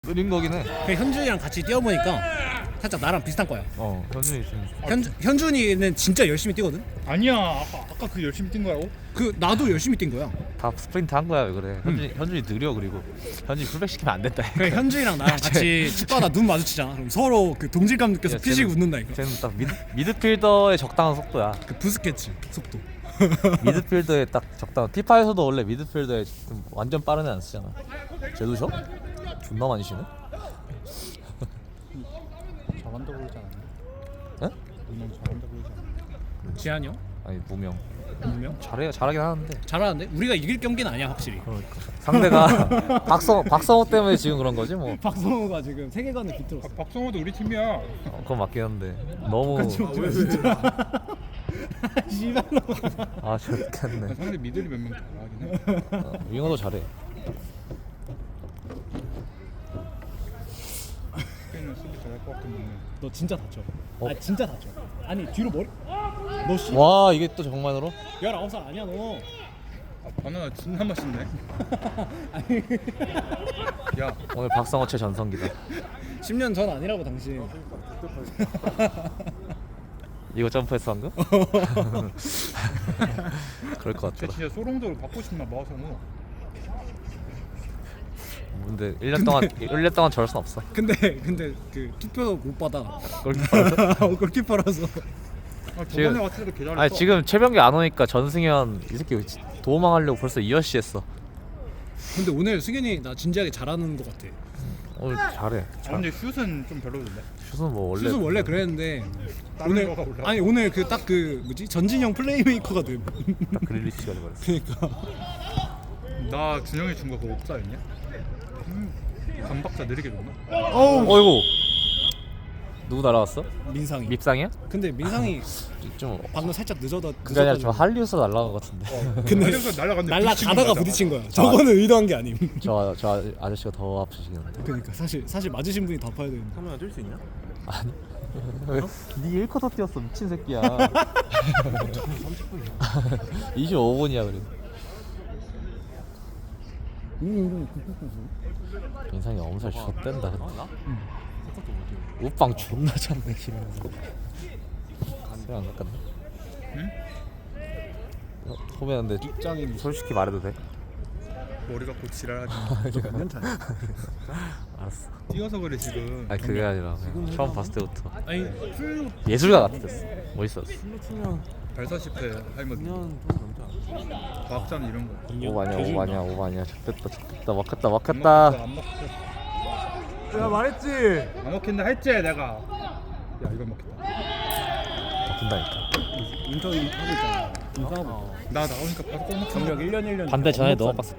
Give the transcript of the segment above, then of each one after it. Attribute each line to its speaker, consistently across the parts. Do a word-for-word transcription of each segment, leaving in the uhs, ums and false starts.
Speaker 1: 느린 거긴 해.
Speaker 2: 그 현준이랑 같이 뛰어보니까 살짝 나랑 비슷한 거야.
Speaker 1: 어, 현준이 좀.
Speaker 2: 현 현준이는 진짜 열심히 뛰거든.
Speaker 3: 아니야 아까, 아까 그 열심히 뛴 거라고?
Speaker 2: 그 나도 열심히 뛴 거야.
Speaker 1: 다 스프린트 한 거야 왜 그래? 현준이 현준이 느려 그리고 현준이 풀백 시키면 안 된다.
Speaker 2: 그 현준이랑 나랑 같이 축구하다 눈 마주치잖아. 그럼 서로 그 동질감 느껴서
Speaker 1: 야,
Speaker 2: 피식
Speaker 1: 쟤는-
Speaker 2: 웃는다니까.
Speaker 1: 쟤는 딱 미드 미드필더의 적당한 속도야.
Speaker 2: 그 부스케츠 속도.
Speaker 1: 미드필더에 딱 적당한. 피파에서도 원래 미드필더에 좀 완전 빠른 애 안 쓰잖아. 쟤도 셔? 존나 많이 쉬네.
Speaker 3: 잘한다 그러지 않았나?
Speaker 1: 응?
Speaker 3: 분명 잘한다 그러지 않았나?
Speaker 2: 지한이 형?
Speaker 1: 아니 무명.
Speaker 2: 분명
Speaker 1: 잘해 잘하긴 하는데.
Speaker 2: 잘하는데 우리가 이길 경기는 아니야 확실히.
Speaker 1: 그러니까 상대가 박성 박성호 때문에 지금 그런 거지 뭐.
Speaker 2: 박성호가 지금 세계관을
Speaker 3: 아,
Speaker 2: 비틀었어.
Speaker 3: 박성호도 우리 팀이야.
Speaker 1: 어, 그건 맞긴 한데 너무.
Speaker 2: 씨발로.
Speaker 1: 아 좋겠네.
Speaker 3: 상대 미들이 몇 명 잘하긴 해.
Speaker 1: 어, 윙어도 잘해.
Speaker 3: 걔는 수비 잘할 것 같은 놈은.
Speaker 2: 너 진짜 다쳐.
Speaker 1: 어?
Speaker 2: 아 진짜 다쳐. 아니 뒤로 머리. 너 씨.
Speaker 1: 와 이게 또 정만으로?
Speaker 2: 열아홉 살 아니야 너.
Speaker 3: 아 바나나 진짜 맛있네.
Speaker 2: 아니
Speaker 3: 야
Speaker 1: 오늘 박성호 최전성기다.
Speaker 2: 십 년 전 아니라고 당신.
Speaker 1: 이거 점프했어 방금? 그럴 것
Speaker 3: 쟤
Speaker 1: 같더라.
Speaker 3: 진짜 소롱도로 받고 싶나 마우성우.
Speaker 1: 근데 일 년 동안 일 년 동안 저럴 순 없어.
Speaker 2: 근데 근데 그 투표도 못 받아.
Speaker 1: 골키퍼라서?
Speaker 2: 골키퍼라서.
Speaker 3: 아
Speaker 1: 지금-
Speaker 3: 저번에 왔을 때도 개 잘했어.
Speaker 1: 아니 지금 최병기 안 오니까 전승현 이 새끼 도망하려고 벌써 이 어시 했어.
Speaker 2: 근데 오늘 승현이 나 진지하게 잘하는 것 같아.
Speaker 1: 오늘 잘해.
Speaker 3: 아 근데 슛은 좀 별로던데.
Speaker 1: 슛은 뭐 원래.
Speaker 2: 슛은 원래 그랬는데
Speaker 3: 다른
Speaker 2: 오늘
Speaker 3: 거가 올라.
Speaker 2: 아니 오늘 그 딱 그 뭐지 전진형 플레이메이커가 돼.
Speaker 1: 딱 그릴리시가 돼버렸어.
Speaker 2: 그러니까
Speaker 3: 나 준영이 준 거 그거 옵사였냐? 음, 감박자 느리게 줬나?
Speaker 2: 어우
Speaker 1: 어이구. 누구 날아왔어?
Speaker 2: 민상이.
Speaker 1: 밉상이야?
Speaker 2: 근데 민상이
Speaker 1: 좀
Speaker 2: 방금 살짝 늦어다.
Speaker 1: 그게 아니라 좀 할리우드 날아간 것 같은데.
Speaker 2: 근데
Speaker 3: 날라갔는데
Speaker 2: 날라가다가 부딪힌 거야. 저거는 의도한 게 아님.
Speaker 1: 저, 저 아저씨가 더 아프시겠는데.
Speaker 2: 그러니까 사실 사실 맞으신 분이 다 파야 되는데.
Speaker 3: 카메라 뜰 수 있냐?
Speaker 1: 아니. 왜? 네 일 쿼터 뛰었어 미친 새끼야. 이십오 분이야 그래. 인상이 엄살 좆된다 근데. 우빵 존나 잡네 기면서. 소리 안 깎았네.
Speaker 3: 응?
Speaker 1: 어, 소매는데
Speaker 2: 입장인
Speaker 1: 솔직히 말해도 돼?
Speaker 3: 머리가 곧 지랄하지.
Speaker 2: 몇년 차야?
Speaker 1: 알았어.
Speaker 3: 뛰어서 그래 지금.
Speaker 1: 아니 그게 아니라 그냥 처음 봤을 때부터
Speaker 2: 아니 풀
Speaker 1: 예술가 같았어. 멋있었어.
Speaker 3: 발사십 회 할머니. 과학자는 이런 거.
Speaker 1: 오바냐 오바냐 오바냐 잡혔다 잡혔다 막혔다
Speaker 3: 안
Speaker 1: 막혔다.
Speaker 3: 먹혔어, 안 먹혔어.
Speaker 1: 야 말했지.
Speaker 3: 안 먹힌다 했지 내가. 야 이거 먹혔다.
Speaker 1: 먹힌다니까.
Speaker 2: 인턴 하고 있잖아. 인턴하고.
Speaker 3: 나 나오니까 바로 골 먹힌다.
Speaker 2: 경력 일 년 일 년.
Speaker 1: 반대 전에 너무 빡셌다.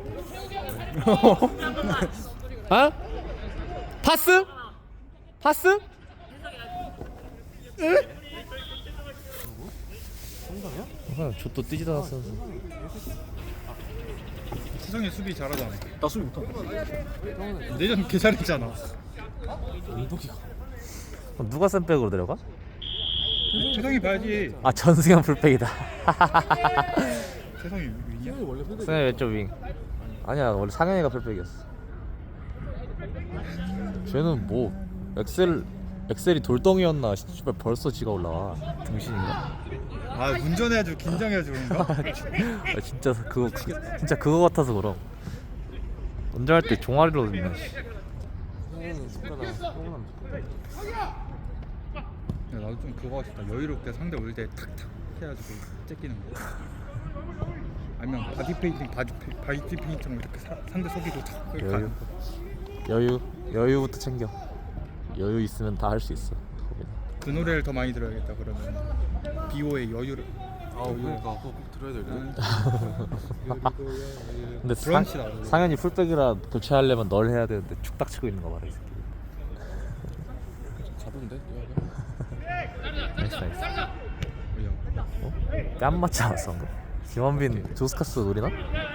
Speaker 1: 어? 파스? 파스? 성당이야? 저또 뛰지도 않았어.
Speaker 3: 수성이 수비 잘하잖아.
Speaker 2: 나 수비 못한다.
Speaker 3: 내전 개 잘했잖아.
Speaker 1: 그럼 누가 센백으로 내려가?
Speaker 3: 세성이 봐야지.
Speaker 1: 아 전승현 풀백이다.
Speaker 3: 세성이 위냐?
Speaker 1: 승현 왼쪽 윙. 아니야 원래 상현이가 풀백이었어. 쟤는 뭐 엑셀 엑셀이 돌덩이였나? 씨발 벌써 지가 올라와. 등신인가?
Speaker 3: 아 운전해야지 긴장해야지 그런가?
Speaker 1: 아, 진짜 그거 그, 진짜 그거 같아서 그럼. 운전할 때 종아리로 듣나. 씨.
Speaker 3: 야, 나도 좀 그거 하고 싶다. 여유롭게 상대 올 때 탁탁 해가지고 째끼는 거. 아니면 바디 페인팅 바디 페, 바디 페인팅처럼 이렇게 사, 상대 속이고 탁 이렇게
Speaker 1: 여유.
Speaker 3: 가는 거.
Speaker 1: 여유 여유부터 챙겨. 여유 있으면 다 할 수 있어. 거기는.
Speaker 3: 그 노래를 더 많이 들어야겠다 그러면. 비오의 여유를.
Speaker 4: 아 그러니까 그거 꼭 들어야 될
Speaker 3: 응.
Speaker 1: 근데 상,
Speaker 3: 브런치다, 그거.
Speaker 1: 상현이 풀백이라 교체하려면 널 해야 되는데 축딱 치고 있는 거 봐라 이 새끼.
Speaker 4: 가던데?
Speaker 1: 나이스 나이스.
Speaker 3: 뭐야?
Speaker 1: 어? 뺨 맞지 않았어 방금? 김원빈 조스카스 노리나?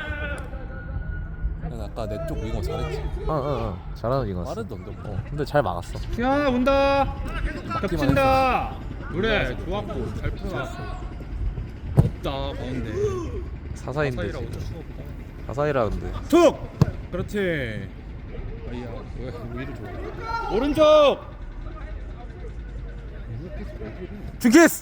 Speaker 4: 난 아까 내 쪽 윙어 잘했지.
Speaker 1: 어어어 잘하는 이거였어.
Speaker 4: 빠르던데 뭐.
Speaker 1: 어, 근데 잘 막았어.
Speaker 3: 수현아 온다.
Speaker 4: 맞기만
Speaker 3: 겹친다. 노래 좋았고 잘 풀어놨어. 없다 가운데.
Speaker 1: 사사인데
Speaker 3: 사이라
Speaker 1: 지금.
Speaker 3: 어쩔 수가 없다.
Speaker 1: 사사이라 근데
Speaker 2: 툭. 그렇지.
Speaker 3: 아이야 왜 오히려 좋아. 오른쪽.
Speaker 1: 징키스!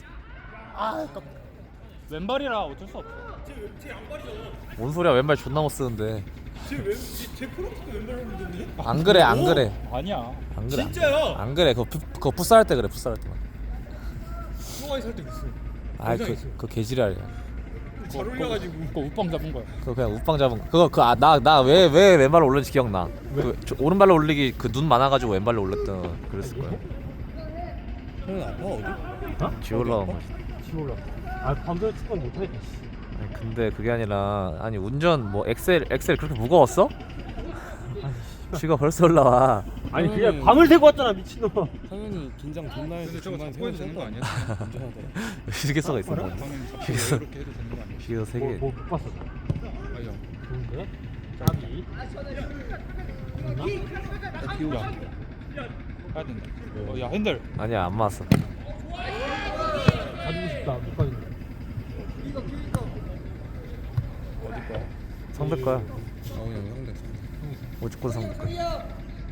Speaker 3: 왼발이라 어쩔 수 없어.
Speaker 1: 뭔 소리야 왼발 존나 못 쓰는데.
Speaker 2: 제 프로도 왼발로 믿었네.
Speaker 1: 안 그래 안 그래
Speaker 3: 아니야.
Speaker 1: 안 그래.
Speaker 2: 진짜요?
Speaker 1: 안 그래. 그거 풋- 그거 풋살 할 때 그래 풋살 할 때만.
Speaker 2: 수호가 살때 있어.
Speaker 1: 아이 그 그 개지랄이야.
Speaker 2: 잘 올려가지고.
Speaker 3: 그거 우빵 잡은 거야.
Speaker 1: 그거 그냥 우빵 잡은 거. 그거 그 나 나 왜 왜 왼발로 올렸는지 기억나. 그 저- 오른발로 올리기 그 눈 많아가지고 왼발로 올렸던 그랬을 거야.
Speaker 4: 형은 아파 어디?
Speaker 1: 지올라온 거.
Speaker 2: 지올라. 아 밤새 축구 못하겠다.
Speaker 1: 아니, 근데 그게 아니라 아니 운전 뭐 엑셀 엑셀 그렇게 무거웠어? 쥐가 벌써 올라와.
Speaker 2: 아니
Speaker 4: 형이-
Speaker 2: 그냥 밤을 새고 왔잖아 미친놈.
Speaker 4: 상현이 긴장 존나 해서
Speaker 3: 근데 저거
Speaker 4: 중간에
Speaker 3: 잡고 해도 되는 거
Speaker 4: 세워서
Speaker 3: 아니야?
Speaker 4: 운전하더라.
Speaker 1: 휴게소가 있어.
Speaker 3: 방금 잡고 이렇게 해도 되는 거 아니야?
Speaker 1: 휴게소 세 개.
Speaker 2: 뭐못 봤어.
Speaker 3: 아이야.
Speaker 2: 좋은데? 짜비.
Speaker 3: 야, 비우야. 가야 된다. 어, 야 핸들.
Speaker 1: 아니야 안 맞았어.
Speaker 2: 가지고 싶다. 못 가진다.
Speaker 3: 어디 거야?
Speaker 1: 상대 거야.
Speaker 4: 아우 형 형대.
Speaker 1: 오죽권 상대 거야.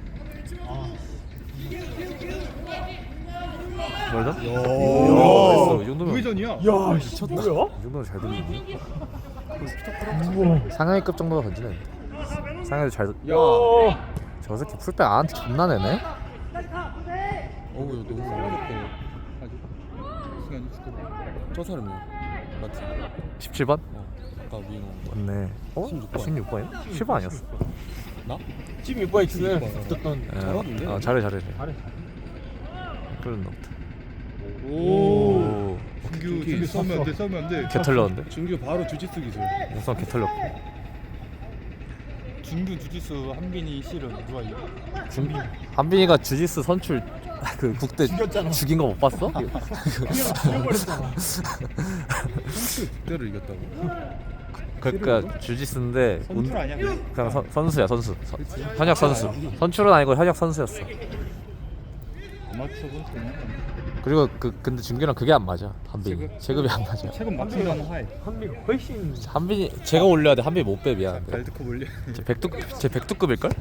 Speaker 1: 멀다? 야, 됐어. 이 정도면 이
Speaker 3: 우회전이야.
Speaker 2: 야 미쳤다. 뭐야?
Speaker 1: 정도면 잘 던지네.
Speaker 2: 우와.
Speaker 1: 상하이급 정도가 던지네. 상하이도 잘. 던-
Speaker 3: 야.
Speaker 1: 저 새끼 풀백 안한테 존나 내네.
Speaker 4: 어우 야 너무 잘하겠다.
Speaker 3: 아직 시간이 죽고.
Speaker 4: 저 사람이야. 맞지?
Speaker 1: 십칠 번?
Speaker 4: 어. 아까 윙어.
Speaker 1: 맞네. 어?
Speaker 4: 십육 번.
Speaker 1: 십육 번이야? 십칠 번 아니었어?
Speaker 4: 나?
Speaker 2: 지금 몇 번에 지금
Speaker 4: 번.
Speaker 2: 붙었던.
Speaker 1: 예,
Speaker 4: 잘하던데?
Speaker 1: 어, 잘해 잘해.
Speaker 2: 잘해.
Speaker 1: 그런 놈다.
Speaker 3: 오.
Speaker 1: 오.
Speaker 3: 준규 준규 싸우면 안 돼. 싸우면 안 돼.
Speaker 1: 개 털렸는데?
Speaker 4: 준규 바로 주짓수 기술.
Speaker 1: 우선 개 털렸고.
Speaker 3: 준규 주짓수 한빈이 실은 누가 이겨?
Speaker 1: 준비. 한빈이가 주짓수 선출 그 국대
Speaker 2: 죽였잖아.
Speaker 1: 죽인 거 못 봤어?
Speaker 2: 죽여버렸잖아.
Speaker 4: 선수 국대를 이겼다고?
Speaker 1: 그러니까 주짓수인데 운-
Speaker 3: 선출 아니야? 그냥?
Speaker 1: 그냥 선, 선수야 선수. 선, 현역 선수. 선출은 아니고 현역 선수였어.
Speaker 3: 아마추어 선수 있는 거 아니야?
Speaker 1: 그리고 그 근데 준규랑 그게 안 맞아. 한빈이
Speaker 3: 체급?
Speaker 1: 체급이 안 맞아.
Speaker 3: 최근 맞추면 하이.
Speaker 2: 한미가 훨씬.
Speaker 1: 한빈이 제가 올려야 돼. 한빈이 못 빼 미안한데.
Speaker 3: 발드컵 올려.
Speaker 1: 제 백두 제 백두급일 걸?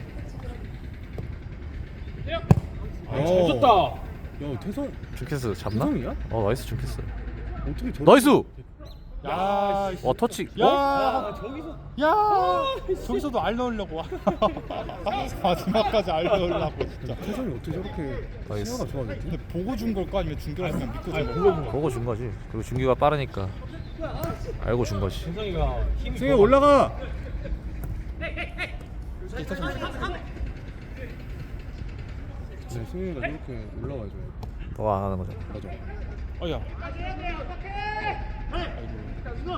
Speaker 2: 아, 잘 줬다.
Speaker 4: 야 태성
Speaker 1: 준캐스 잡나?
Speaker 4: 태성이야?
Speaker 1: 어 나이스 준캐스.
Speaker 4: 어떻게 저?
Speaker 1: 나이스.
Speaker 3: 야.
Speaker 1: 와 터치.
Speaker 3: 야.
Speaker 1: 어?
Speaker 2: 저기서.
Speaker 3: 야. 저기서도 알 넣으려고. 마지막까지 알 넣으려고 진짜.
Speaker 4: 태성이 어떻게 저렇게
Speaker 1: 나이스.
Speaker 4: 시야가 좋아졌지?
Speaker 3: 근데 보고 준 걸까 아니면 준규랑 그냥 믿고 준
Speaker 2: 보고
Speaker 3: 걸까?
Speaker 2: 준 거.
Speaker 1: 보고 준 거지. 그리고 준규가 빠르니까 알고 준 거지.
Speaker 2: 세상이가 힘이.
Speaker 4: 승희 올라가. 네, 승희가 저렇게 올라와야죠.
Speaker 1: 더 안 하는 거잖아.
Speaker 4: 맞아.
Speaker 3: 어야. 아이고.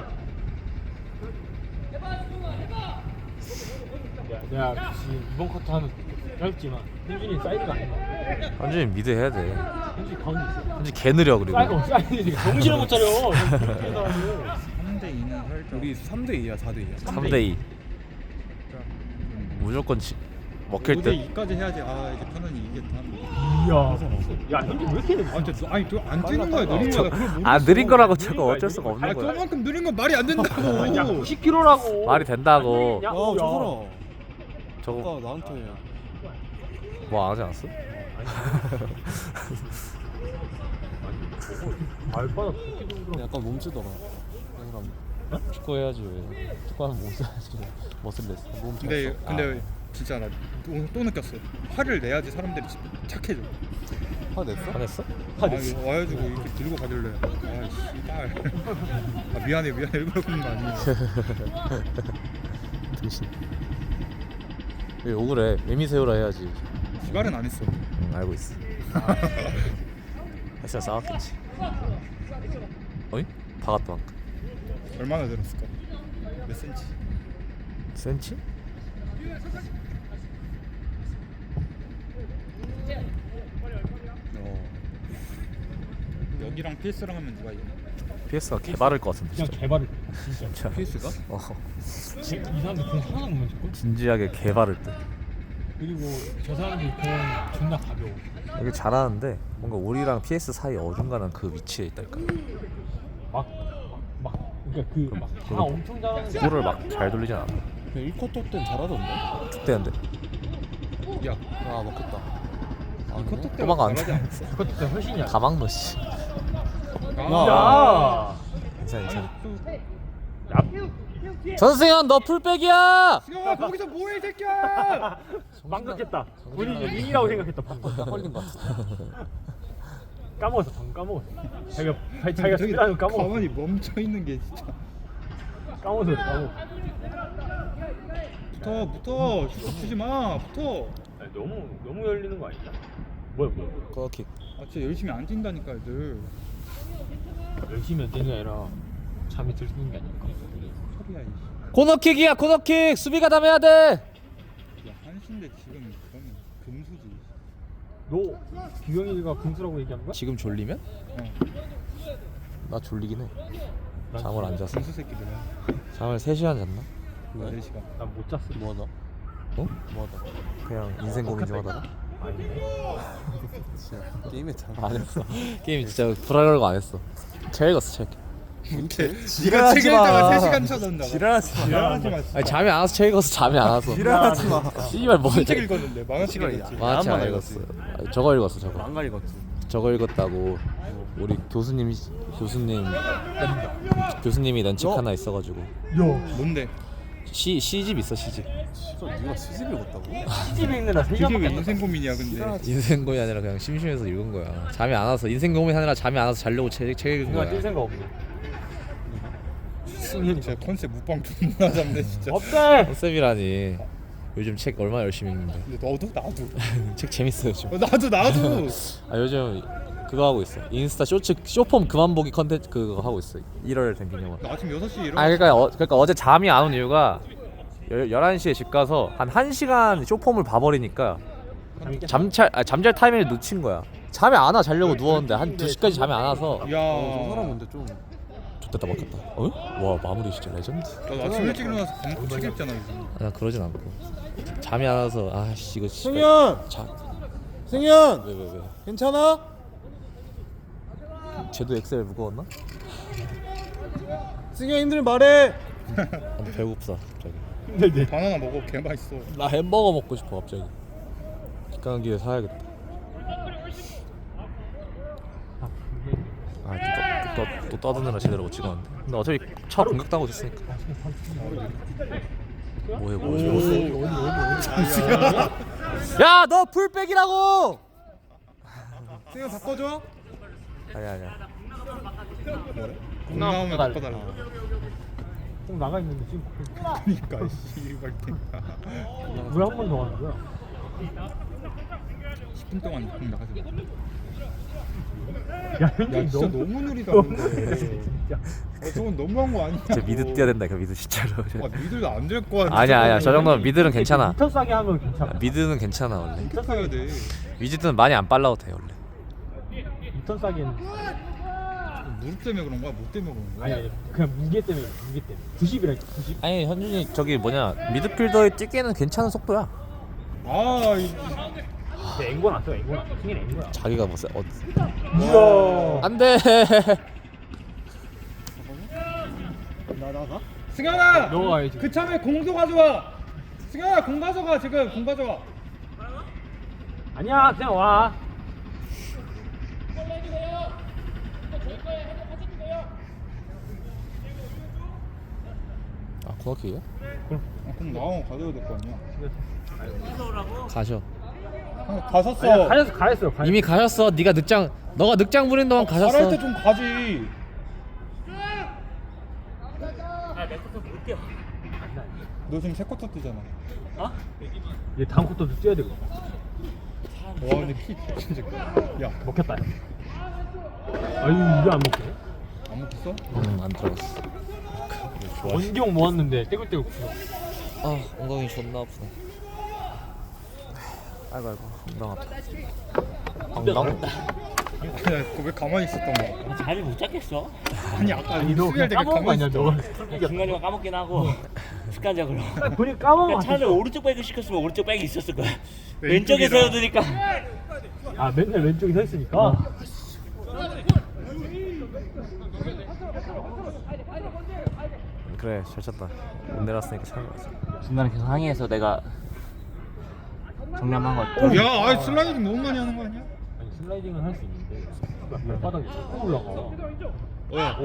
Speaker 2: 내가 지금 이번 쿼터 하면 짧지만 현준이 사이드가 아니야.
Speaker 1: 현준이 미드 해야 돼.
Speaker 2: 현준이 가운데 있어.
Speaker 1: 현준이 개 느려 그리고.
Speaker 2: 사이드 어, 사이드 정신을 못 차려.
Speaker 3: 삼 대 이는 살짝.
Speaker 4: 우리 삼 대 이야 사 대 이야.
Speaker 1: 삼 대 이. 무조건 지, 먹힐
Speaker 3: 오 대
Speaker 1: 듯.
Speaker 3: 이까지 해야지. 아 이제 편안히 이기겠다.
Speaker 2: 이야. 야 현준 왜 이렇게 느
Speaker 3: 아 진짜 아니 또안 뛰는 거야 느린 거야. 그걸 모르겠어.
Speaker 1: 아 느린 거라고 저거 어쩔 수가 없는
Speaker 3: 아니
Speaker 1: 거야.
Speaker 3: 그만큼 느린 건 말이 안 된다고.
Speaker 2: 야 구십 킬로그램라고.
Speaker 1: 말이 된다고.
Speaker 2: 야,
Speaker 4: 와저
Speaker 2: 야.
Speaker 4: 사람.
Speaker 1: 저거
Speaker 4: 아까 나한테
Speaker 1: 뭐 안 하지 않았어?
Speaker 2: 발바닥 그렇게 좀
Speaker 4: 약간 몸쓰더라. 그 사람.
Speaker 1: 축구 해야지 왜? 축구하면 못 써야지. 머슬 냈어. 몸
Speaker 3: 근데
Speaker 1: 졌어.
Speaker 3: 근데 진짜 나 또 또 느꼈어. 화를 내야지 사람들이 진짜 착해져.
Speaker 4: 화 냈어?
Speaker 1: 안 했어?
Speaker 3: 아 이거 와가지고 이렇게 들고 가길래 아 씨발. 아 미안해 미안해 일부러 그런 거 아니야.
Speaker 1: 등신. 왜 욕을 해? 매미 세우라 해야지.
Speaker 3: 씨발은 안 했어.
Speaker 1: 응 알고 있어. 했으면 싸웠겠지. 어이? 박았다 방금.
Speaker 3: 얼마나 들었을까? 몇 센치?
Speaker 1: 센치?
Speaker 4: 어.
Speaker 3: 여기랑 피에스랑 하면 누가 이겨?
Speaker 1: 피에스가 개바를 것 같은데
Speaker 2: 그냥
Speaker 1: 진짜.
Speaker 2: 개발을 진짜.
Speaker 1: 진짜.
Speaker 4: 피에스가?
Speaker 1: 어
Speaker 2: 이 사람들 공 하나 못 맞을 걸?
Speaker 1: 진지하게 개바를 때.
Speaker 2: 그리고 저 사람들 공 존나 가벼워.
Speaker 1: 이게 잘하는데 뭔가 우리랑 피에스 사이 어중간한 그 위치에 있달까.
Speaker 2: 막 막 그러니까 그막다
Speaker 1: 그럼
Speaker 2: 엄청 잘하는데
Speaker 1: 볼을 막 잘 돌리진 않아.
Speaker 4: 일 쿼터 땐 잘하던데?
Speaker 1: 축대한데.
Speaker 3: 야,
Speaker 4: 아 먹겠다. 아,
Speaker 3: 이 커터 때
Speaker 1: 도망가 안
Speaker 3: 잘하지
Speaker 1: 돼.
Speaker 3: 않았어?
Speaker 2: 그것도 진짜 훨씬 약.
Speaker 1: 가망 씨.
Speaker 3: 아,
Speaker 2: 야.
Speaker 1: 괜찮아 괜찮아.
Speaker 2: 야.
Speaker 1: 전승현 너 풀백이야.
Speaker 3: 야, 거기서 뭐해 이 새끼야!
Speaker 2: 망각했다. 본인이 링이라고 생각했다 방금.
Speaker 4: 딱 걸린 것 같아.
Speaker 2: 까먹었어 방금 까먹었어. 자기가 자기가
Speaker 3: 저기
Speaker 2: 수비라는 거 까먹었어.
Speaker 3: 가만히 멈춰 있는 게 진짜.
Speaker 2: 까먹었어 까먹었어.
Speaker 3: 붙어, 붙어, 슛 주지 마, 붙어.
Speaker 2: 아니, 너무 너무 열리는 거 아니야? 뭐야 뭐야.
Speaker 1: 코너킥.
Speaker 3: 아, 진짜 열심히 안 뛴다니까 애들.
Speaker 2: 열심히 뛰는 게 아니라 잠이 들는 게 아닐까?
Speaker 3: 소리야 이.
Speaker 1: 코너킥이야 코너킥. 수비가 담해야 돼.
Speaker 3: 야, 한신데 지금 그러면 금수지.
Speaker 2: 너 규영이가 금수라고 얘기한 거야?
Speaker 1: 지금 졸리면?
Speaker 3: 어,
Speaker 1: 나 졸리긴 해.
Speaker 2: 난
Speaker 1: 잠을 안 잤어.
Speaker 3: 금수 새끼들아.
Speaker 1: 잠을 세 시간 잤나?
Speaker 3: 네 시간.
Speaker 2: 난 못 잤어.
Speaker 4: 뭐하다?
Speaker 1: 어?
Speaker 4: 뭐하다?
Speaker 1: 그냥 인생 고민 좀 하다가.
Speaker 2: 아니네.
Speaker 4: 진짜 게임했잖아.
Speaker 1: 안 했어. 게임 진짜 불안한 거 안 했어. 책 읽었어 책.
Speaker 3: 이렇게
Speaker 4: 지랄하지
Speaker 3: 책 읽다가
Speaker 4: 마.
Speaker 3: 세 시간 쳐던다.
Speaker 4: 지랄하지 마.
Speaker 3: 지랄하지 마.
Speaker 1: 아니 잠이 안 와서 책 읽어서 잠이 안 와서.
Speaker 4: 지랄하지 마.
Speaker 1: 씨발 뭐.
Speaker 3: 무슨 책 읽었는데? 만화책
Speaker 4: 시간이야.
Speaker 3: 읽었지.
Speaker 1: 만화책 안
Speaker 4: 안
Speaker 1: 읽었어. 아니, 저거 읽었어 저거.
Speaker 4: 안 가리겠지.
Speaker 1: 저거 읽었다고. 우리 교수님 교수님 교수님이 낸 책
Speaker 4: 너?
Speaker 1: 하나 있어가지고
Speaker 2: 야.
Speaker 3: 뭔데?
Speaker 1: 시 시집 있어 시집.
Speaker 4: 진짜 네가 시집 읽었다고?
Speaker 2: 시집에 있느라 세
Speaker 3: 그게 왜
Speaker 2: 시간밖에 안
Speaker 3: 인생 고민이야 근데.
Speaker 1: 인생 고민 아니라 그냥 심심해서 읽은 거야. 잠이 안 와서 인생 고민 하느라 잠이 안 와서 자려고 책, 책 읽은
Speaker 2: 생각 뛸
Speaker 1: 거야.
Speaker 2: 생각 없네. 승현이
Speaker 3: 진짜 컨셉 무빵 존나 잡네 진짜.
Speaker 2: 없대.
Speaker 1: 컨셉이라니. 요즘 책 얼마나 열심히 읽는데.
Speaker 3: 근데 너도 나도.
Speaker 1: 책 재밌어요 요즘.
Speaker 3: 어, 나도 나도.
Speaker 1: 아 요즘 그거 하고 있어. 인스타 쇼츠 쇼폼 그만 보기 컨텐츠 그거 하고 있어. 일월 된 기념으로.
Speaker 3: 나 아침 여섯 시에 일어나.
Speaker 1: 아 그러니까 어, 그러니까 어제 잠이 안 온 이유가 열, 열한 시에 집 가서 한 1시간 쇼폼을 봐버리니까 잠잘 아, 잠잘 타이밍을 놓친 거야. 잠이 안 와 자려고 누웠는데 한 두 시까지 잠이 안 와서
Speaker 3: 야.
Speaker 4: 어, 저 사람 근데 좀
Speaker 1: 좋됐다 먹겠다. 어? 와 마무리 진짜 레전드.
Speaker 3: 나 아침 일찍 일어나서 밥 책 읽잖아 요즘.
Speaker 1: 아, 나 그러진 않고 잠이 안 와서 아씨 이거 씨발.
Speaker 4: 승현!
Speaker 1: 자,
Speaker 4: 승현!
Speaker 1: 왜 왜 왜?
Speaker 4: 괜찮아?
Speaker 1: 쟤도 엑셀 무거웠나?
Speaker 4: 승현 힘들 말해.
Speaker 1: 아, 배고프다 갑자기.
Speaker 2: 힘들대.
Speaker 3: 바나나 먹어 개 맛있어.
Speaker 1: 나 햄버거 먹고 싶어 갑자기. 기가는 길에 사야겠다. 아, 또, 또, 또, 또 떠드느라 제대로 못 찍었는데. 근데 어차피 차 공격당하고 됐으니까. 뭐해 뭐해. 야, 너 풀백이라고!
Speaker 4: 승현 바꿔줘.
Speaker 1: 아니 아니야.
Speaker 3: 공 나오면 바꿔달라.
Speaker 2: 꼭 나가 있는데 지금
Speaker 3: 그러니까 씨발 텐가.
Speaker 2: 왜 한 번 더 하는 거야?
Speaker 3: 십 분 동안 공 나가지 마.
Speaker 2: 야,
Speaker 3: 야
Speaker 2: 현진이
Speaker 3: 진짜
Speaker 2: 너무
Speaker 3: 너무 느리다
Speaker 2: 너무
Speaker 3: 근데.
Speaker 2: 진짜.
Speaker 3: 어, 저건 너무한 거 아니야?
Speaker 1: 진짜 미드 뛰어야 된다. 그 미드 진짜로.
Speaker 3: 와 미들도 안 될 거야.
Speaker 1: 아니야 아니야. 저 정도면 미드는 괜찮아.
Speaker 2: 미터 싸게 하면 괜찮아.
Speaker 1: 미드는 괜찮아 원래.
Speaker 3: 미터 타야 돼.
Speaker 1: 위즈드는 많이 안 빨라도 돼 원래.
Speaker 2: 미터 싸게는
Speaker 3: 무릎 때문에 그런 거야? 못 때문에 그런 거야?
Speaker 2: 아니 아니 그냥 무게 때문에 무게 때문에 구십이라 구십.
Speaker 1: 아니 현준이 저기 뭐냐 미드필더에 뛰기에는 괜찮은 속도야.
Speaker 3: 아, 이,
Speaker 2: 근데 앵고 났어 앵고 났어. 승인 앵고야.
Speaker 1: 자기가 뭐 세, 어,
Speaker 2: 이야.
Speaker 1: 안돼.
Speaker 4: 나 나가?
Speaker 3: 승현아!
Speaker 2: 너가 가야지.
Speaker 3: 그 참에 공도 가져와! 승현아 공 가져가 지금 공 가져와.
Speaker 2: 아니야 그냥 와.
Speaker 1: 아 코너킥이야?
Speaker 3: 아, 공 나오면 가져야 될 거 아니야?
Speaker 1: 가셔.
Speaker 3: 아, 가셨어.
Speaker 2: 아니야 가렸어 가렸어. 가렸어.
Speaker 1: 이미 가셨어. 네가 늑장 너가 늑장 부린 동안 가셨어.
Speaker 3: 잘할 때 좀 가지. 너 지금 세 쿼터 뛰잖아.
Speaker 2: 얘 다음 쿼터도 뛰어야 되고.
Speaker 3: 와 근데 키 진짜. 야
Speaker 2: 먹혔다. 아유 이거 안 먹혀.
Speaker 3: 안 먹겠어?
Speaker 1: 응안 들어갔어. 좋아.
Speaker 2: 원경 모았는데 떼굴떼굴 굴러.
Speaker 1: 아 엉덩이 존나 아프네. 아이고 아이고 엉덩 아파. 엉덩?
Speaker 3: 야, 그거 왜 가만히 있었던 거야?
Speaker 5: 자리 못 잡겠어?
Speaker 3: 아니 아까
Speaker 2: 아니 너
Speaker 3: 수비할
Speaker 2: 그냥
Speaker 3: 때
Speaker 2: 까먹은 거
Speaker 3: 가만히
Speaker 2: 아니야
Speaker 3: 있었잖아.
Speaker 2: 너.
Speaker 5: 중간중간 까먹긴 하고 습관적으로
Speaker 2: 보니 까먹은 거
Speaker 5: 그러니까 차라리
Speaker 2: 같았어.
Speaker 5: 오른쪽 백을 시켰으면 오른쪽 백이 있었을 거야
Speaker 3: 왼쪽이라.
Speaker 5: 왼쪽에 세워두니까
Speaker 2: 아 맨날 왼쪽에 서 있으니까.
Speaker 1: 그래 잘 쳤다. 못 내렸으니까 잘 맞아.
Speaker 5: 중간에 계속 항의해서 내가 정남한 것
Speaker 2: 오!
Speaker 3: 야, 아이 슬라이딩 너무 많이 하는 거 아니야?
Speaker 2: 아니 슬라이딩은 할 수 있는데 발바닥이 자꾸 올라가.
Speaker 3: 어,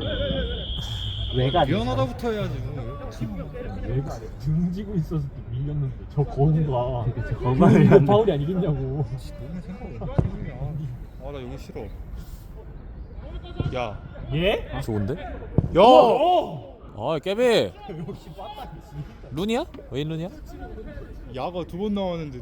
Speaker 5: 왜가
Speaker 3: 미안하다부터 해야지.
Speaker 2: 내가 등지고 있어서 밀렸는데 저 거운가.
Speaker 5: 거운가
Speaker 2: 이거
Speaker 5: 밀렸네.
Speaker 2: 파울이 아니겠냐고.
Speaker 3: 너무 생각이 아, 나 여기 싫어. 야,
Speaker 2: 예?
Speaker 1: 좋은데?
Speaker 3: 야,
Speaker 1: 아 깨비
Speaker 2: 역시 빠따.
Speaker 1: 룬이야? 웨인 룬이야?
Speaker 3: 야가 두 번 나왔는데.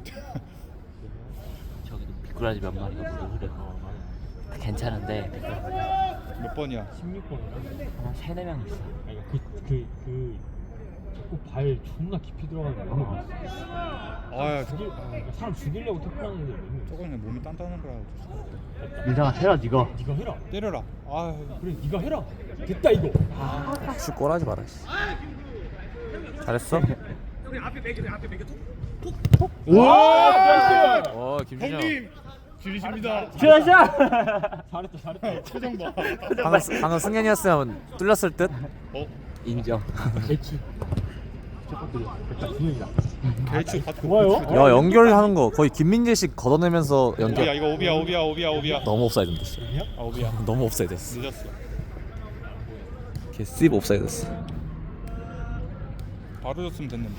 Speaker 5: 저기도 미꾸라지 몇 마리가 물을 흐려. 괜찮은데
Speaker 3: 몇 번이야?
Speaker 2: 십육 번인가?
Speaker 5: 한 세네 명 있어.
Speaker 2: 아니 그 그 그 자꾸 발 존나 깊이 들어가는 거 너무 있어.
Speaker 3: 아, 저,
Speaker 2: 죽일 사람 죽이려고 태클하는 애들 너무 있어.
Speaker 3: 저건 그냥 몸이 단단한 거라.
Speaker 5: 민상아 해라 니가.
Speaker 2: 네가 해라.
Speaker 3: 때려라. 아,
Speaker 2: 그래 네가 해라. 됐다 이거.
Speaker 1: 슛 골하지 마라 씨. 잘했어?
Speaker 2: 와!
Speaker 1: 어 김준영
Speaker 3: 줄이십니다.
Speaker 5: 샤샤.
Speaker 2: 잘했다 잘했다.
Speaker 3: 표정 봐.
Speaker 1: 방금, 스- 방금 승현이었으면 뚫렸을 듯?
Speaker 3: 어,
Speaker 5: 인정.
Speaker 2: 대치. 첫 번째 됐다 준영이다.
Speaker 3: 개추 받고.
Speaker 2: 좋아요.
Speaker 1: 야 연결하는 거 거의 김민재식 걷어내면서
Speaker 3: 오비야,
Speaker 1: 연결
Speaker 3: 이거 오비야, 오비야, 오비야, 오비야.
Speaker 1: 너무 옵사이드인데 씨.
Speaker 3: 아, 오비야.
Speaker 1: 너무 옵사이드였어
Speaker 3: 늦었어.
Speaker 1: 걔 씹 옵사이드였어
Speaker 3: 바로 줬으면 됐는데.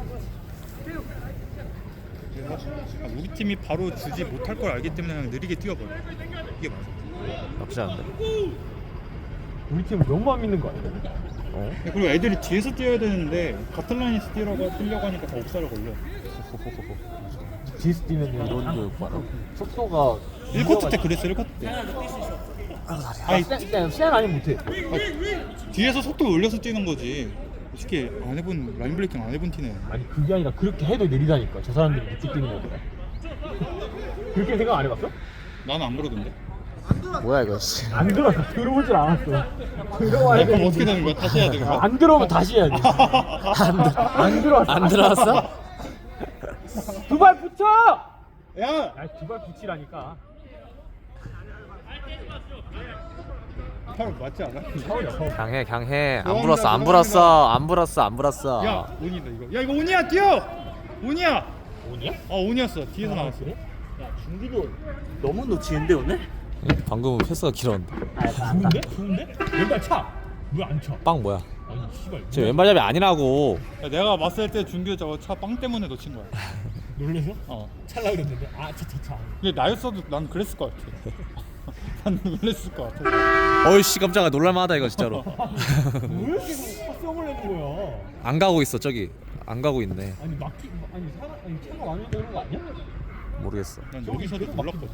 Speaker 3: 아, 우리 팀이 바로 주지 못할 걸 알기 때문에 그냥 느리게 뛰어버려. 이게 맞아.
Speaker 1: 나쁘지 않은데?
Speaker 2: 우리 팀을 너무 안 믿는 거 아니야?
Speaker 1: 어?
Speaker 3: 그리고 애들이 뒤에서 뛰어야 되는데 같은 라인에서 뛰려고 뛰려고 하니까 다 옥살을 걸려.
Speaker 2: 뒤에서 뛰면
Speaker 1: 이런 교육 봐라
Speaker 2: 속도가
Speaker 3: 일 쿼터 때 그랬어. 일 쿼터 때. 아니,
Speaker 2: 시간 시간 아니면 못해.
Speaker 3: 뒤에서 속도 올려서 뛰는 거지. 솔직히 안 해본 라인 브레이킹 안 해본 티네.
Speaker 2: 아니 그게 아니라 그렇게 해도 느리다니까. 저 사람들이 늦게 뛰는 거보다. 그렇게 생각 안 해봤어?
Speaker 3: 나는 안 그러던데.
Speaker 1: 뭐야 이거 씨.
Speaker 2: 안 들어왔어. 들어올 줄 알았어. 들어와야
Speaker 3: 야, 그럼
Speaker 2: 돼.
Speaker 3: 어떻게 되는 거야? 다시 해야 되는 거야?
Speaker 2: 안 들어오면 다시 해야 돼. 안 들어왔어.
Speaker 1: 안 들어왔어?
Speaker 2: 두 발 붙여!
Speaker 3: 야!
Speaker 2: 두 발 붙이라니까.
Speaker 3: 파울 맞지 않아?
Speaker 2: 파울이야 파울.
Speaker 1: 강해 강해 안
Speaker 3: 죄송합니다,
Speaker 1: 불었어 안 불었어 안 불었어 안 불었어
Speaker 3: 야, 온이다 이거. 야, 이거 온이야, 뛰어! 온이야!
Speaker 2: 오냐?
Speaker 3: 어, 온이었어. 뒤에서 나왔어.
Speaker 2: 그래?
Speaker 5: 중기도 너무 놓치는데 오늘?
Speaker 1: 방금은 패스가 길었는데
Speaker 2: 좋은데? 좋은데? 왼발 차! 왜 안 차?
Speaker 1: 빵 뭐야
Speaker 2: 아니 씨발
Speaker 1: 쟤 왼발잡이 아니라고
Speaker 3: 야, 내가 봤을 때 준규 저거 차 빵 때문에 놓친 거야.
Speaker 2: 놀래서?
Speaker 3: 어.
Speaker 2: 찰라 그랬는데 아 차차차
Speaker 3: 근데 나였어도 난 그랬을 것 같아. 난 놀랬을 것 같아.
Speaker 1: 어이씨 깜짝아 놀랄만하다 이거 진짜로
Speaker 2: 왜 이렇게 헛성을 내는 거야?
Speaker 1: 안 가고 있어 저기 안 가고 있네
Speaker 2: 아니 막히 아니 사 아니 차가 많이 오는 거 아니야?
Speaker 1: 모르겠어
Speaker 3: 난 여기서도 몰랐거든.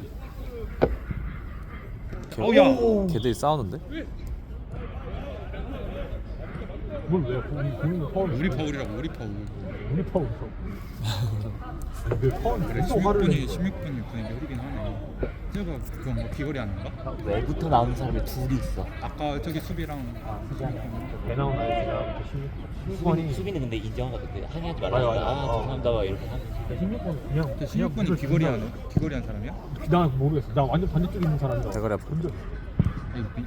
Speaker 1: 걔,
Speaker 3: 어, 야.
Speaker 1: 걔들이 싸우는데?
Speaker 2: 뭘 왜? 본인 본인도 파울.
Speaker 3: 우리 파울이라고, 우리 파울.
Speaker 2: 우리 파울 있어. 왜 파울?
Speaker 3: 그래, 십육 분이 십육 분이 분위기 흐리긴 하네. 제가 그건 뭐 비거리 하는가?
Speaker 5: 외부터 나오는 사람이 둘이 있어.
Speaker 3: 아까 저기 수비랑
Speaker 2: 배 나온 아이가 십육 번이
Speaker 5: 수빈이 수빈이 근데 인정하거든. 그 항의하지
Speaker 2: 맞아,
Speaker 5: 말라고.
Speaker 2: 맞아.
Speaker 5: 아
Speaker 2: 어.
Speaker 5: 죄송합니다 막 이렇게 하면.
Speaker 2: 십육 번 그냥
Speaker 3: 그 십육 분이 비거리 하는 비거리 한 사람이야?
Speaker 2: 나 모르겠어. 나 완전 반대쪽에 있는 사람이라.
Speaker 1: 대가리 아파.
Speaker 2: 본적
Speaker 3: 아니, 미...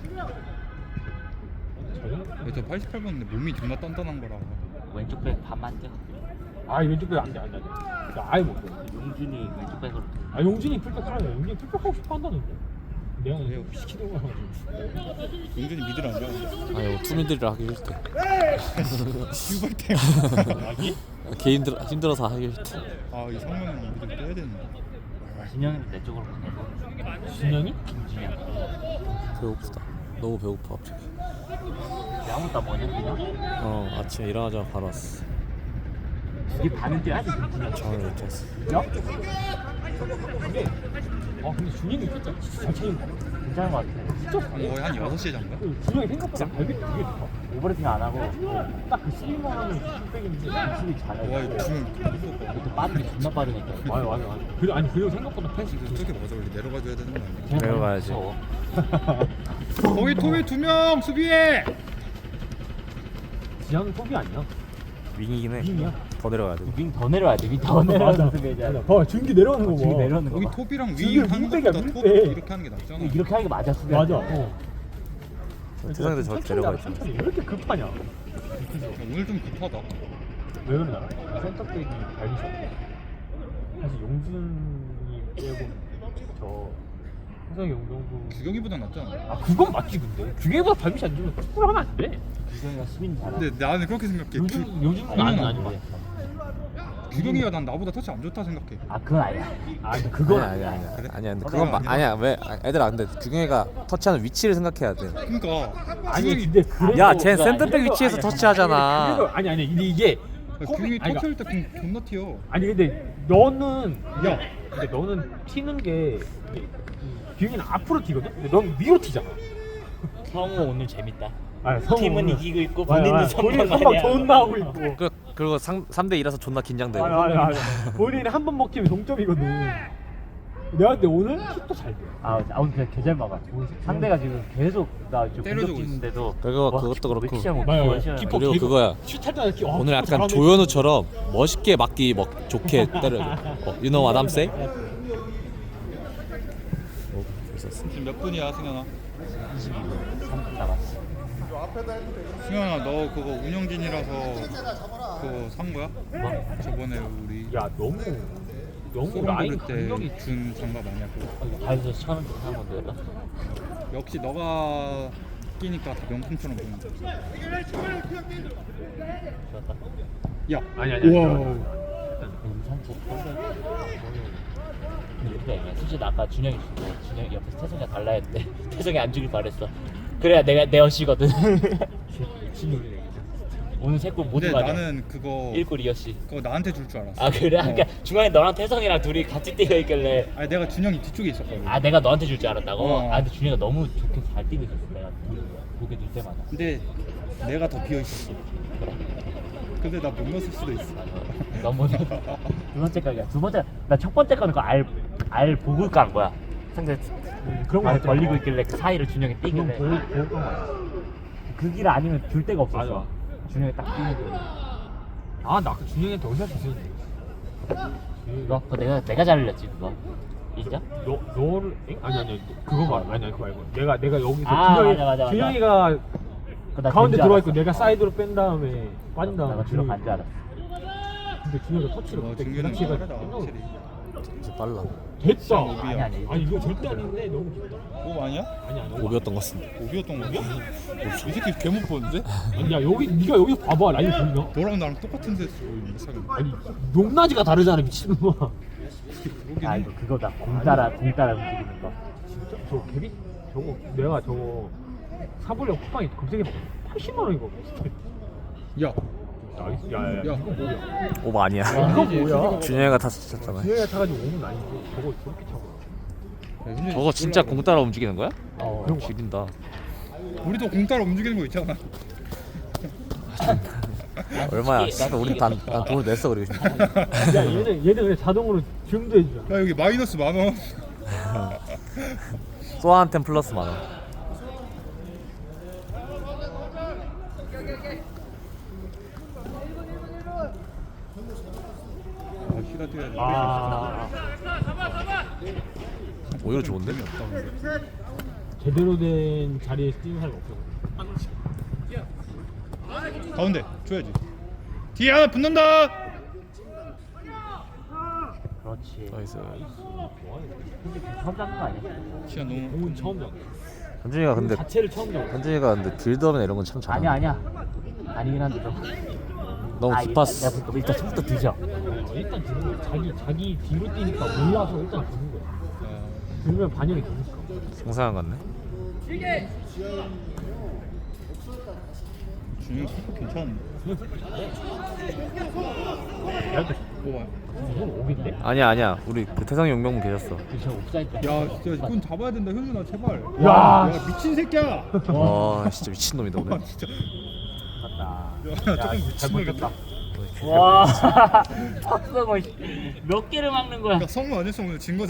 Speaker 3: 저 팔십팔 번인데 몸이 존나 단단한 거라.
Speaker 5: 왼쪽 백 반만 뛰어.
Speaker 2: 아 왼쪽 배 안돼 안돼. 나 아예 못 돼.
Speaker 5: 용준이 왼쪽 백으로.
Speaker 2: 아 용진이 풀백 하래. 용진이 풀백 하고 싶어 한다는데. 내가
Speaker 3: 그래요?
Speaker 2: 시키는 거야.
Speaker 3: 용준이 미들 안 좋아하는데.
Speaker 1: 아유 투미들이라 하기 싫대
Speaker 3: 휴발 때문에.
Speaker 2: 아기?
Speaker 1: 걔 힘들어, 힘들어서 하기 싫대
Speaker 3: 아, 이 성명은 미들 빼야 되는데.
Speaker 5: 진영이 내 쪽으로 보내고.
Speaker 2: 진영이?
Speaker 5: 김진영.
Speaker 1: 배고프다 너무 배고파 갑자기
Speaker 5: 아무것도 안 먹냐 그냥?
Speaker 1: 어 아침에 일어나자마자 바로 왔어
Speaker 5: 이게 반은 뛰어야지 김진영.
Speaker 1: 잠을 못 잤어
Speaker 2: 야? 근데 아 근데 준영이 진짜 진짜 잘 차는 거 같아.
Speaker 5: 괜찮은 것 같아.
Speaker 2: 진짜
Speaker 3: 거의 한 여섯 시에 잔가?
Speaker 2: 그 준영이 생각보다 발밑이 되게 좋아.
Speaker 5: 오버래핑 안 하고
Speaker 2: 딱그 스윙하는 풀백인데
Speaker 5: 수비 잘해.
Speaker 3: 와, 이거 주면 무서워.
Speaker 5: 이것도 빠르게 존나 빠르니까.
Speaker 2: 맞아 맞아 맞아. 그리고 아니 그리고 생각보다 패스
Speaker 3: 저게 맞아, 원래 내려가줘야 되는 거 아니야?
Speaker 1: 내려가야지
Speaker 5: 무서워.
Speaker 3: 거기 토비 두 명 수비해.
Speaker 2: 지하는 톱이 아니야.
Speaker 1: 윙이긴
Speaker 2: 윙이야.
Speaker 1: 해더 내려가야 돼
Speaker 5: 윙 더 내려야 돼. 윙 더 내려가서 수비해야
Speaker 2: 봐 준기 내려오는 거 봐.
Speaker 5: 준기 내려오는 거
Speaker 3: 거기
Speaker 5: 봐.
Speaker 3: 톱이랑
Speaker 2: 지금
Speaker 3: 윙 하는
Speaker 2: 윙백이야,
Speaker 3: 것보다 톱
Speaker 2: 윙백.
Speaker 3: 이렇게 하는 게 낫잖아.
Speaker 5: 이렇게 하는 게 맞아 수비.
Speaker 2: 맞아. 어.
Speaker 1: 세상에도 저렇게
Speaker 2: 천천히
Speaker 1: 내려가
Speaker 2: 하라,
Speaker 1: 있잖아
Speaker 2: 천천히. 왜 이렇게 급하냐?
Speaker 3: 야, 오늘 좀 급하다.
Speaker 2: 왜 그러나? 센터백이 발이 좋아. 사실 용준이 빼고 저 해성이 용동구
Speaker 3: 규경이보다 낫잖아.
Speaker 2: 아 그건 맞지 근데 규경이보다 발밑이 안 좋으면 축구를 하면 안 돼.
Speaker 5: 규경이가 수빈 잘하.
Speaker 3: 근데 나는 그렇게 생각해.
Speaker 2: 요즘
Speaker 3: 규,
Speaker 2: 요즘
Speaker 3: 아니,
Speaker 2: 아니
Speaker 3: 아니,
Speaker 2: 아닌 것
Speaker 5: 아니.
Speaker 2: 같아.
Speaker 3: 규경이가 난 나보다 터치 안 좋다 생각해.
Speaker 5: 아 그건 아니야.
Speaker 2: 아 근데 그건
Speaker 1: 아니야
Speaker 2: 아니야.
Speaker 1: 아니야
Speaker 3: 그래?
Speaker 1: 아니야 근데
Speaker 3: 그건
Speaker 1: 그건 마,
Speaker 3: 아니야.
Speaker 1: 아니야 왜 아, 애들아 근데 규경이가 터치하는 위치를 생각해야 돼.
Speaker 3: 그러니까
Speaker 2: 아니
Speaker 3: 규경이
Speaker 2: 근데 그래도
Speaker 1: 야, 쟤
Speaker 2: 그거
Speaker 1: 센터백
Speaker 2: 아니야.
Speaker 1: 위치에서
Speaker 2: 아니,
Speaker 1: 터치하잖아.
Speaker 2: 그래도 아니 아니 근데 이게
Speaker 3: 규경이
Speaker 2: 아니,
Speaker 3: 터치할 때 그냥 존나 튀어.
Speaker 2: 아니 근데 너는
Speaker 3: 야.
Speaker 2: 근데 너는 튀는 게 규영이는 앞으로 튀거든. 근데 넌 위로 튀잖아.
Speaker 5: 성우 오늘 재밌다.
Speaker 2: 아니, 성우
Speaker 5: 팀은
Speaker 2: 오늘-
Speaker 5: 이기고 있고
Speaker 2: 맞아,
Speaker 5: 본인은
Speaker 2: 맞아. 본인
Speaker 5: 선방
Speaker 2: 선방
Speaker 5: 많이
Speaker 2: 존나
Speaker 5: 하고.
Speaker 2: 하고 있고.
Speaker 1: 그 그리고 삼 대 이라서 존나 긴장되고.
Speaker 2: 아니 아니 아니. 본인이 한 번 먹히면 동점이거든. 내가 근데 오늘 킥도 잘 돼.
Speaker 5: 아, 아 오늘 그냥 개잘 막아. 상대가 지금 계속 나 지금
Speaker 3: 때려주고
Speaker 5: 공격 뛰는데도
Speaker 1: 그거-
Speaker 5: 와,
Speaker 1: 그것도 그렇고.
Speaker 5: 왜 키시하고
Speaker 2: 맞아요.
Speaker 5: 그거 시작하는
Speaker 2: 키퍼
Speaker 5: 거야?
Speaker 1: 그리고
Speaker 2: 계속
Speaker 1: 그거야.
Speaker 2: 슛할 때마다 키- 어,
Speaker 1: 오늘
Speaker 2: 키퍼
Speaker 1: 약간
Speaker 2: 잘하네.
Speaker 1: 조현우처럼 멋있게 맞기 먹 좋게 때려. 어, you know what I'm saying? 어, 있었어.
Speaker 3: 지금 몇 분이야 승현아?
Speaker 5: 삼 분 남았어.
Speaker 3: 승현아 너 그거 운영진이라서 그거 산 거야?
Speaker 5: 뭐?
Speaker 3: 저번에 우리
Speaker 2: 야 너무 너무
Speaker 3: 소름
Speaker 2: 라인
Speaker 3: 부를
Speaker 2: 간격이
Speaker 3: 때준 장갑 아니야 그거?
Speaker 5: 가에서 천 원 사는 건데 나.
Speaker 3: 역시 너가 끼니까 다 명품처럼 보인다.
Speaker 5: 좋았다.
Speaker 3: 야,
Speaker 2: 아니, 아니, 아니,
Speaker 3: 우와.
Speaker 2: 아니.
Speaker 5: 산책 근데 그냥 솔직히 나 아까 준영이 주고 준영이 옆에서 태성이가 달라 했는데 태성이 안 주길 바랬어. 그래야 내가 내 어시거든.
Speaker 2: 미친놈이네.
Speaker 5: 오늘 세 골 모두
Speaker 3: 근데
Speaker 5: 맞아.
Speaker 3: 나는 그거
Speaker 5: 일 골 이 어시.
Speaker 3: 그거 나한테 줄 줄 알았어.
Speaker 5: 아 그래?
Speaker 3: 어.
Speaker 5: 그러니까 중간에 너랑 태성이랑 둘이 같이 뛰어 있길래
Speaker 3: 아니 내가 준영이 뒤쪽에 있었거든.
Speaker 5: 아 내가 너한테 줄 줄 알았다고?
Speaker 3: 어.
Speaker 5: 아 근데 준영이가 너무 좋게 잘 뛰고 있었어. 내가 보게 될 때마다.
Speaker 3: 근데 내가 더 비어 있었어. 근데 나 못 넣었을 수도 있어.
Speaker 5: 너무 두 번째 각이야. 두 번째 나 첫 번째 거는 그알알 보고 깐 거야. 상대
Speaker 2: 음, 그런 거
Speaker 5: 알
Speaker 2: 같아.
Speaker 5: 벌리고 있길래 그 사이를 준영이
Speaker 2: 그건
Speaker 5: 뛰길래
Speaker 2: 보고 보고 건 거야.
Speaker 5: 그 길 아니면 줄 데가 없었어.
Speaker 2: 맞아.
Speaker 5: 준영이 딱 뛰는 거.
Speaker 2: 아나 아까 준영이한테 어디서 있었는데.
Speaker 5: 그거 그거 내가 내가 잘 흘렸지 그거. 인정?
Speaker 2: 너 너를 엥? 아니 아니 그거 말 아니 아니 그거 말고 내가 내가 여기서
Speaker 5: 아,
Speaker 2: 준영이
Speaker 5: 맞아, 맞아, 맞아.
Speaker 2: 준영이가
Speaker 5: 그거 나
Speaker 2: 가운데
Speaker 5: 된 줄
Speaker 2: 들어와
Speaker 5: 알았어.
Speaker 2: 있고 내가 사이드로 뺀 다음에 빠진 다음에
Speaker 5: 나가 들어 간줄 알았어.
Speaker 2: 근데 준영이가 터치를
Speaker 3: 어,
Speaker 2: 그때 그
Speaker 3: 준규는
Speaker 2: 당시에가
Speaker 3: 빠르다 확실히.
Speaker 1: 진짜 빨라.
Speaker 2: 됐다.
Speaker 5: 아니 아니.
Speaker 2: 아니 이거 절대 아닌데 너무 좋다.
Speaker 3: 오 아니야?
Speaker 2: 아니 아니.
Speaker 1: 오비였던 것 같습니다.
Speaker 3: 오비였던 거야? 이 새끼 개 못 보는데?
Speaker 2: 아니 야 여기 네가 여기서 봐봐 라인 보이나?
Speaker 3: 너랑 나랑 똑같은 데서 이상해.
Speaker 2: 아니 높낮이가 다르잖아 미친놈아.
Speaker 3: 그러긴
Speaker 5: 아
Speaker 3: 해.
Speaker 5: 이거 그거다. 공 따라 공 따라 움직이는 거.
Speaker 2: 진짜 저 개비 저거 내가 저거 사보려고 쿠팡에 검색해봤거든. 팔십만 원이거든.
Speaker 3: 야,
Speaker 2: 나이스. 야야야.
Speaker 3: 야.
Speaker 2: 이거 뭐야?
Speaker 1: 오버 아니야.
Speaker 2: 이거 뭐야?
Speaker 1: 준영이가 탔었잖아.
Speaker 2: 준영이가 타가지고 오는 아니지. 저거 저렇게 차고.
Speaker 3: 야, 근데
Speaker 1: 저거 진짜
Speaker 3: 몰라.
Speaker 1: 공 따라 움직이는 거야?
Speaker 5: 어.
Speaker 2: 그런 거.
Speaker 1: 지린다.
Speaker 3: 우리도 공 따라 움직이는 거 있잖아.
Speaker 1: 얼마야? 씨발 우리 단, 단 돈을 냈어 그리고.
Speaker 2: 야 얘는 얘는 그냥 자동으로 지금도 해주잖아.
Speaker 3: 야 여기 마이너스 만 원.
Speaker 1: 소아한텐 플러스 만 원.
Speaker 3: 아, 휴가 뛰어야 돼.
Speaker 2: 아
Speaker 1: 오히려 좋은데?
Speaker 3: 없다 근데.
Speaker 2: 제대로 된 자리에서 뛰는 사람이 없어.
Speaker 3: 가운데 줘야지. 뒤에 하나 붙는다.
Speaker 5: 그렇지.
Speaker 1: 나이스.
Speaker 5: 근데 처음 잡는 거 아니야?
Speaker 3: 시간 너무.
Speaker 2: 공은 처음 잡아.
Speaker 1: 현준이가 근데
Speaker 2: 자체를 처음 잡아.
Speaker 1: 현준이가 근데 빌드업이나 이런 건 참 잘해.
Speaker 5: 아니야 아니야. 아니긴 한데 좀.
Speaker 1: 너무
Speaker 5: 아,
Speaker 1: 딥파스.
Speaker 5: 일단, 내가 일단 처음부터 뒤져.
Speaker 2: 어, 일단 드는 거야. 자기 자기 뒤로 뛰니까 몰라서 일단 드는 거야.
Speaker 3: 아,
Speaker 2: 들면 반영이 되니까.
Speaker 1: 생생한 것 같네.
Speaker 3: 준영 생각 괜찮은데.
Speaker 2: 야,
Speaker 3: 오,
Speaker 2: 이건 오비인데?
Speaker 1: 아니야 아니야. 우리 그 태성이 용병분 계셨어.
Speaker 5: 저 옵사이드.
Speaker 3: 야 진짜 이건 잡아야 된다 현준아 제발.
Speaker 2: 야,
Speaker 3: 야 미친 새끼야.
Speaker 1: 와 진짜 미친 놈이다
Speaker 3: 아,
Speaker 1: 오늘.
Speaker 3: 진짜.
Speaker 5: 맞다.
Speaker 3: 야 조금 미친 놈이다.
Speaker 5: 와. 박성호 몇 개를 막는 거야?
Speaker 3: 야 성우 안 했으면 오늘 진 거.